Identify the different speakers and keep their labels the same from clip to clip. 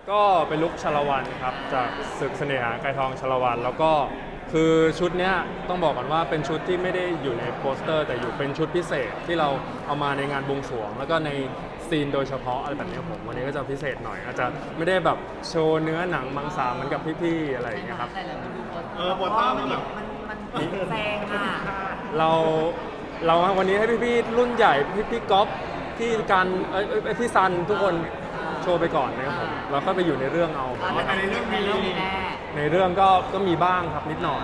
Speaker 1: ก็เป็นลุคชาละวันครับจากศึกเสน่หาไกรทองชาละวันแล้วก็คือชุดเนี้ยต้องบอกก่อนว่าเป็นชุดที่ไม่ได้อยู่ในโปสเตอร์แต่อยู่เป็นชุดพิเศษที่เราเอามาในงานบวงสรวงแล้วก็ในซีนโดยเฉพาะอะไรแบบนี้ผมวันนี้ก็จะพิเศษหน่อยอาจจะไม่ได้แบบโชว์เนื้อหนังมังสาเหมือนกับพี่ๆอะไรอย่างเงี้ยครับ
Speaker 2: แต่เราดู
Speaker 3: โปสเตอร์มันแบบ
Speaker 2: มันแซงอ่ะ
Speaker 1: เราวันนี้ให้พี่ๆรุ่นใหญ่พี่ก๊อฟพี่กันพี่ซันทุกคนโชว์ไปก่อนนะครับผมเราก็ไปอยู่ในเรื่องเอา
Speaker 2: แต่ในเรื่องมีแน่
Speaker 1: ในเรื่องก็มีบ้างครับนิดหน่อย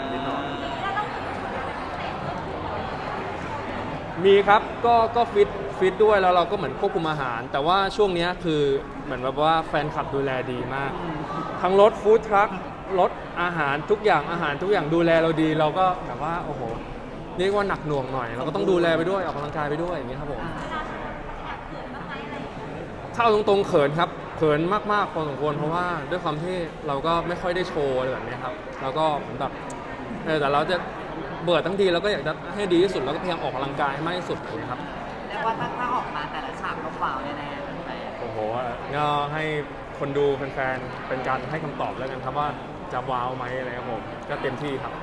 Speaker 1: มีครับก็ฟิตด้วยแล้วเราก็เหมือนควบคุมอาหาร แต่ว่าช่วงนี้คือเหมือนแบบว่าแฟนคลับดูแลดีมาก ทั้งรถฟู้ดทรัครถอาหารทุกอย่างดูแลเราดีเราก็แบบว่าโอ้โหเรียกว่าหนักหน่วงหน่อยเราก็ต้องดูแลไปด้วยออกกำลังกายไปด้วยอย่างนี้ครับผมถ้าเอาตรงๆเขินครับเขินมากๆพอสมควรเพราะว่าด้วยความที่เราก็ไม่ค่อยได้โชว์อะไรแบบนี้ครับแล้วก็เหมือนแบบแต่เราจะเบิดทั้งทีเราก็อยากจะให้ดีที่สุดแล้วก็พยายามออกกำลังกายให้มากที่สุดนะครับ
Speaker 2: เรียกว่าถ้าออกมาแต่ละฉากก็ว้าวแน่ๆ
Speaker 1: โอ้โหก็ให้คนดูแฟนๆเป็นการให้คำตอบแล้วกันครับว่าจะว้าวไหมอะไรครับผมก็เต็มที่ครับ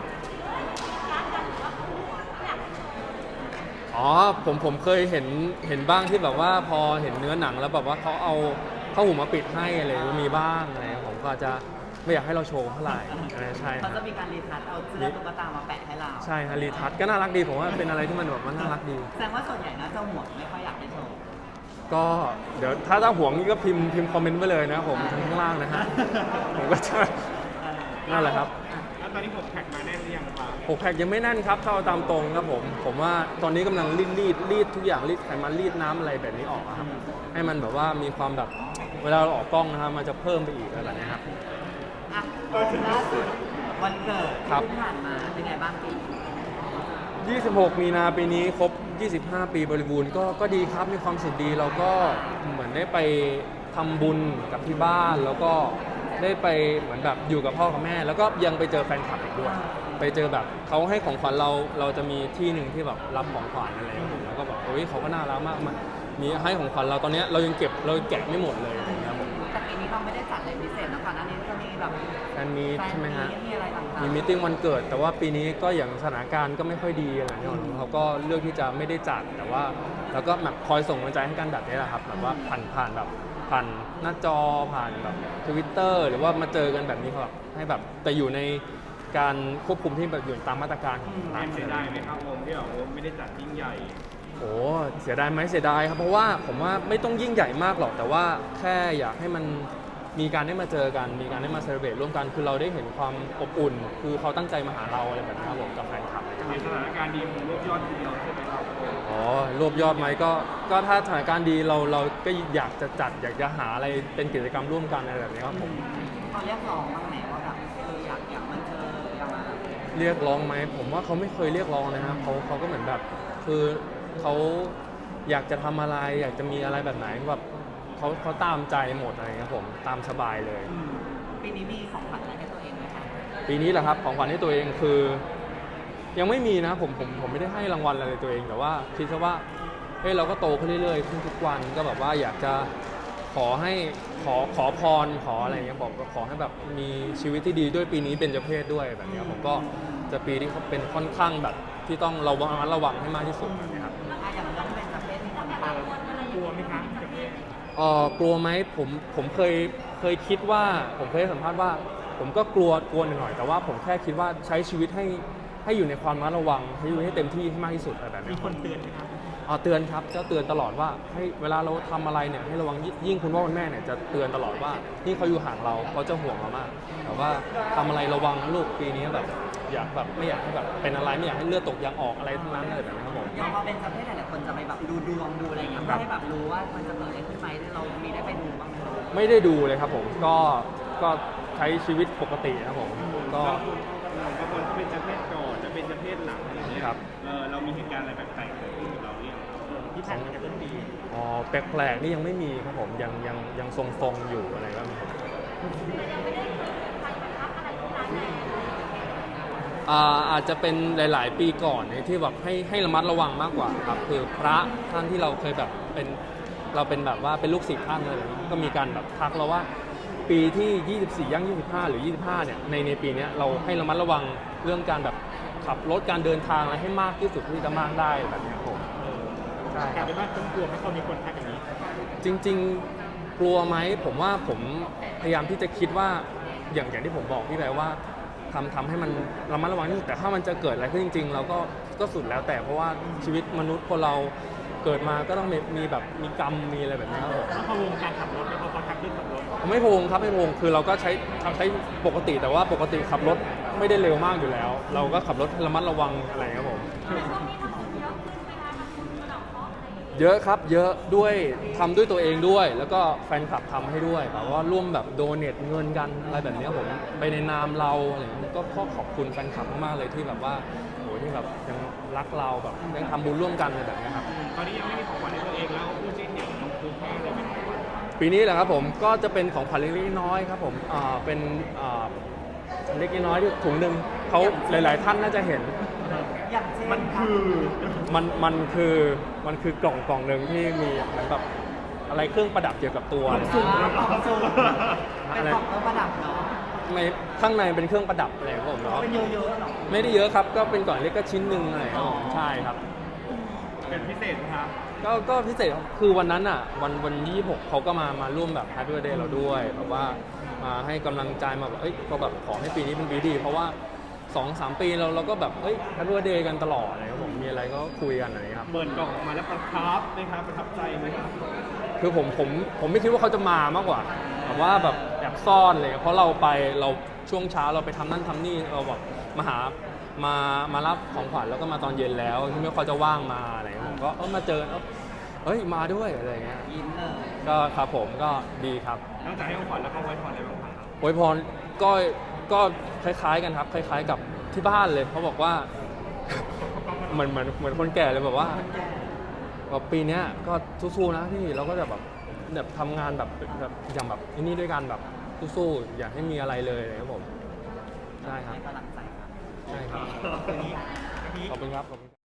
Speaker 1: อ๋อผมเคยเห็นบ้างที่แบบว่าพอเห็นเนื้อหนังแล้วแบบว่าเขาเอาผ้าห่มมาปิดให้อะไรมีบ้างอะไรผมก็จะไม่อยากให้เราโชว์เท่าไหร่ใช่ค
Speaker 2: เขา
Speaker 1: รับ
Speaker 2: จะมีการรีทัชเอาเสื้อตุ๊กตามาแปะให้เรา
Speaker 1: ใช่ฮะรีทัชก็น่ารักดีผมว่าเป็นอะไรที่มันแบบว่าน่ารักดี
Speaker 2: แสดงว่าส่วนใหญ่น่าจะห่วงไม่ค่อยอยากให้โชว์
Speaker 1: ก็เดี๋ยวถ้าห่วงนี่ก็พิมพ์คอมเมนต์ไว้เลยนะผมทั้งข้างล่างนะฮะผมก็จะนั่นแหละครับ
Speaker 3: แล้วตอนนี้ผมแพ็กมาแน่นหรือยังครับ
Speaker 1: 6 แพ็คยังไม่แน่นครับเข้าตามตรงครับผมว่าตอนนี้กำลังรีดทุกอย่างรีดไขมันรีดน้ำอะไรแบบนี้ออกครับให้มันแบบว่ามีความแบบเวลาเราออกกล้องนะครับมันจะเพิ่มไปอีกอะไรแบบนี้ครับ
Speaker 2: อ่ะล่าสุดวันเกิด
Speaker 1: ครับ
Speaker 2: ที่ผ่านมาเป็นไงบ้างปี
Speaker 1: 26 มีนาปีนี้ครบ 25 ปีบริบูรณ์ก็ดีครับมีความสุขดีเราก็เหมือนได้ไปทำบุญกับที่บ้านแล้วก็ได้ไปเหมือนแบบอยู่กับพ่อกับแม่ แล้วก็ยังไปเจอแฟนคลับอีกด้วยไปเจอแบบเขาให้ของขวัญเราจะมีที่หนึ่งที่แบบรับของขวัญอะไรอย่างเงี้ยแล้วก็แบบโอ้ยเขาก็น่ารักมากมันมีให้ของขวัญเราตอนนี้เรายังเก็บเราแกะไม่หมดเลยอะไรอย่างเงี้ยครับผม
Speaker 2: แต่ปีนี้เราไม่ได้จัดอะไรพิเศษนะก่อนหน้านี้ก็มีแบบ
Speaker 1: แฟนมีตใช่ไหมฮะ
Speaker 2: มีอะไรต่างๆ
Speaker 1: มีมีตติ้งวันเกิด แต่ว่าปีนี้ก็อย่างสถานการณ์ก็ไม่ค่อยดีอะไรอย่างเงี้ยเขาก็เลือกที่จะไม่ได้จัดแต่ว่าแล้วก็แบบคอยส่งกำลังใจให้กันแบบนี้แหละครับแบบว่าผ่านแบบผ่านหน้าจอผ่านแบบ Twitter หรือว่ามาเจอกันแบบนี้ครับให้แบบแต่อยู่ในการควบคุมที่แบบอยู่ตามมาตรการของ
Speaker 3: แอ
Speaker 1: ทาง
Speaker 3: มเสียดายไหมครับผมที่แบบไม่ได้จัดยิ่งใหญ่
Speaker 1: โอ้เสียดายไหมเสียดายครับเพราะว่าผมว่าไม่ต้องยิ่งใหญ่มากหรอกแต่ว่าแค่อยากให้มันมีการได้มาเจอกันมีการได้มาเซเลบรตร่วมกันคือเราได้เห็นความอบอุ่น คือเขาตั้งใจมาหาเราอะไรแบบนี้ครับผมกับแฟนคลับ
Speaker 3: ในสถานการณ์ดีผมรวบยอดทีเดียวใช่ไหมครับ
Speaker 1: อ๋อรวบยอดไหมก็ถ้าสถานการณ์ดีเราก็อยากจะจัดอยากจะหาอะไรเป็นกิจกรรมร่วมกันอะไรแบบนี้ครับผม
Speaker 2: เขาเรียกร้องบ้างไหมว่าแบบอยากมาเจออยากมา
Speaker 1: เรียกร้องไหมผมว่าเขาไม่เคยเรียกร้องนะครับเขาก็เหมือนแบบคือเขาอยากจะทำอะไรอยากจะมีอะไรแบบไหนแบบเขาตามใจหมดอะไรครับผมตามสบายเลย
Speaker 2: ปีนี้มีของขวัญอะไรให้ตัวเองไหมคะ
Speaker 1: ปีนี้แหละครับของขวัญให้ตัวเองคือ ยังไม่มีนะผมไม่ได้ให้รางวัลอะไรตัวเองแต่ว่าคิดซะว่าเฮ้ยเราก็โตขึ้นเรื่อยๆขึ้นทุกวันก็แบบว่าอยากจะขอให้ขอพรขออะไรเงี้ยบอกก็ขอให้แบบมีชีวิตที่ดีด้วยปีนี้เป็นเจ้าเพศด้วยแบบเนี้ยผมก็จะปีที่เขาเป็นค่อนข้างแบบที่ต้องระวังให้มากที่สุดแบบนี้ครับ
Speaker 2: อย่างเรื่องเป็นประเภทที่คนตาม
Speaker 3: กลัวไหมครับจะไม่
Speaker 1: กลัวไหมผมเคยคิดว่าผมเคยให้สัมภาษณ์ว่าผมก็กลัวหน่อยแต่ว่าผมแค่คิดว่าใช้ชีวิตให้อยู่ในความระมัดระวังให้อยู่ให้เต็มที่ให้มากที่สุดอะไรแบบนี้
Speaker 3: มีคนเตือนไหมครับ
Speaker 1: เตือนครับจะเตือนตลอดว่าให้เวลาเราทำอะไรเนี่ยให้ระวังยิ่งคุณพ่อคุณแม่เนี่ยจะเตือนตลอดว่านี่เขาอยู่ห่างเราเขาจะห่วงเรามากแต่ว่าทำอะไรระวังนะลูกปีนี้แบบอยากแบบไม่อยากให้แบบเป็นอะไรไม่อยากให้เลือดตกยางออกอะไรทั้งนั้นอะไรแบบนี้ครับผม
Speaker 2: อย่างพอเป็นประเภทหลายๆคนจะไปแบบดูดวงดูอะไรเงี้ยเพื่อให้แบบรู้ว่ามันจะเกิดอะไรขึ้นไหมเรามีได้ไปดูบ้างไหม
Speaker 1: ไม่ได้ดูเลยครับผมก็ใช้ชีวิตปกตินะครับผมก็
Speaker 3: บางคนจะเป็นเจ้าเพศก่อนจะเป็นเจ้าเพศหลังอะไรอย่างเงี้ย
Speaker 1: ครับ
Speaker 3: เรามีเหตุการณ์อะไรแปลกๆเกิดขึ้นกับเราเนี่ยที่ผ่านมาจากเรื่องดี
Speaker 1: แปลกๆนี่ยังไม่มีครับผมยังทรงๆอยู่อะไรแบบนี้ครับอาจจะเป็นหลายๆปีก่อนที่แบบให้ระมัดระวังมากกว่าครับคือพระท่านที่เราเคยแบบเป็นเราเป็นแบบว่าเป็นลูกศิษย์ท่านเลยก็มีการแบบทักเราว่า ปปีที่ 24 ย่าง 25 หรือ 25 เนี่ยในปีเนี้ยเราให้ระมัดระวังเรื่องการแบบขับรถการเดินทางอะไรให้มากที่สุดที่จะมากได้แบบเนี้ยผมใช่
Speaker 3: กลายเป็นว่าต้องกลัวไหมเขามีคนทักอย่างนี้
Speaker 1: จริงๆกลัวไหมผมว่าผมพยายามที่จะคิดว่าอย่างที่ผมบอกพี่ไปว่าทำให้มันระมัดระวังที่สุดแต่ถ้ามันจะเกิดอะไรขึ้นจริงๆเราก็สุดแล้วแต่เพราะว่าชีวิตมนุษย์คนเราเกิดมาก็ต้องมีแบบมีกรรมมีอะไรแบบนี้ครับผม
Speaker 3: แล้วพอวงการขับรถแล้วพอเขาทักเรื่องขับรถ
Speaker 1: ไม่โพงครับไม่โพงคือเราก็ใช้ปกติแต่ว่าปกติขับรถไม่ได้เร็วมากอยู่แล้ว เราก็ขับรถระมัดระวังอะไรครับผมเยอะครับเยอะด้วยทำด้วยตัวเองด้วย แล้วก็แฟนคลับทำให้ด้วยแบบว่าร่วมแบบโดเนทเงินกันอะไรแบบนี้ผมไปในนามเราอะไรอย่างเงี้ยก็ขอบคุณแฟนคลับมากๆเลยที่แบบว่าโหที่แบบยังรักเราแบบยังทำบุญร่วมกันอะไรแบบนี้ครับ
Speaker 3: ตอนนี้ยังไม่มีของขวัญให้ตัวเองแล้วพูดจริงเนี่ยต้องซื้อให้อะไรเป็นของขวัญ
Speaker 1: ปีนี้แหละครับผมก็จะเป็นของขวัญเล็กๆน้อยๆครับผมเป็นเล็กๆน้อยๆที่ถุงหนึ่งเขาหลายๆท่านน่าจะเห็น
Speaker 2: อย่างเช่น
Speaker 3: มันคือ
Speaker 1: มันคือกล่องหนึ่งที่มีเหมือนแบบอะไรเครื่องประดับเกี่ยวกับตัว
Speaker 2: กล่องสุ่มกล่องสุ่มเป็น
Speaker 1: อะไร
Speaker 2: กล่องเครื่องประดับเนาะ
Speaker 1: ไม่ข้างในเป็นเครื่องประดับอะไรครับผมเนาะ
Speaker 2: เป็นเยอะๆหรอ
Speaker 1: ไม่ได้เยอะครับก็เป็นกล่องเล็กก็ชิ้นหนึ่งอะไรครับผมใช่ครับ
Speaker 3: เป็นพิเศษนะครับ
Speaker 1: ก็พิเศษครับคือวันนั้นอ่ะวัน26เขาก็มาร่วมแบบ Happy Birthday เราด้วยแบบว่ามาให้กำลังใจมาแบบเอ้ยก็แบบขอให้ปีนี้เป็นปีดี เพราะว่า 2-3 ปีเราก็แบบเอ้ย Happy Birthday กันตลอดอะไรครับผมมีอะไรก็คุยกันอะไรครับ
Speaker 3: เปิดกล่องออกมาแล้วประทับนะครับประทับใจไหมครับ
Speaker 1: คือผมไม่คิดว่าเขาจะมามากกว่าแบบว่าแบบแอบซ่อนเลยเพราะเราช่วงเช้าเราไปทำนั่นทำนี่เราแบบมารับของขวัญแล้วก็มาตอนเย็นแล้วที่ไม่ค่อยจะว่างมาอะไรเงี้ยผมก็มาเจอเอ้ยมาด้วยอะไรเงี้ย
Speaker 2: ยิ้มเลย
Speaker 1: ก็ครับผมก็ดีครับ
Speaker 3: นอกจากให้ของขวัญแล้วเขาไว้พรอะไรบ้างครับ
Speaker 1: อวยพรก็คล้ายๆกันครับคล้ายๆกับที่บ้านเลยเขาบอกว่า เหมือนคนแก่เลยแบบว่า แบบปีเนี้ยก็สู้ๆนะพี่เราก็จะแบบทำงานแบบอย่างแบบนี่ด้วยกันแบบสู้ๆอย่าให้มีอะไรเลยครับผมใช่ครับ
Speaker 2: ให้กำลังใจครับ
Speaker 1: ใช่ครับ
Speaker 3: ทีนี้
Speaker 1: ขอบคุณครับ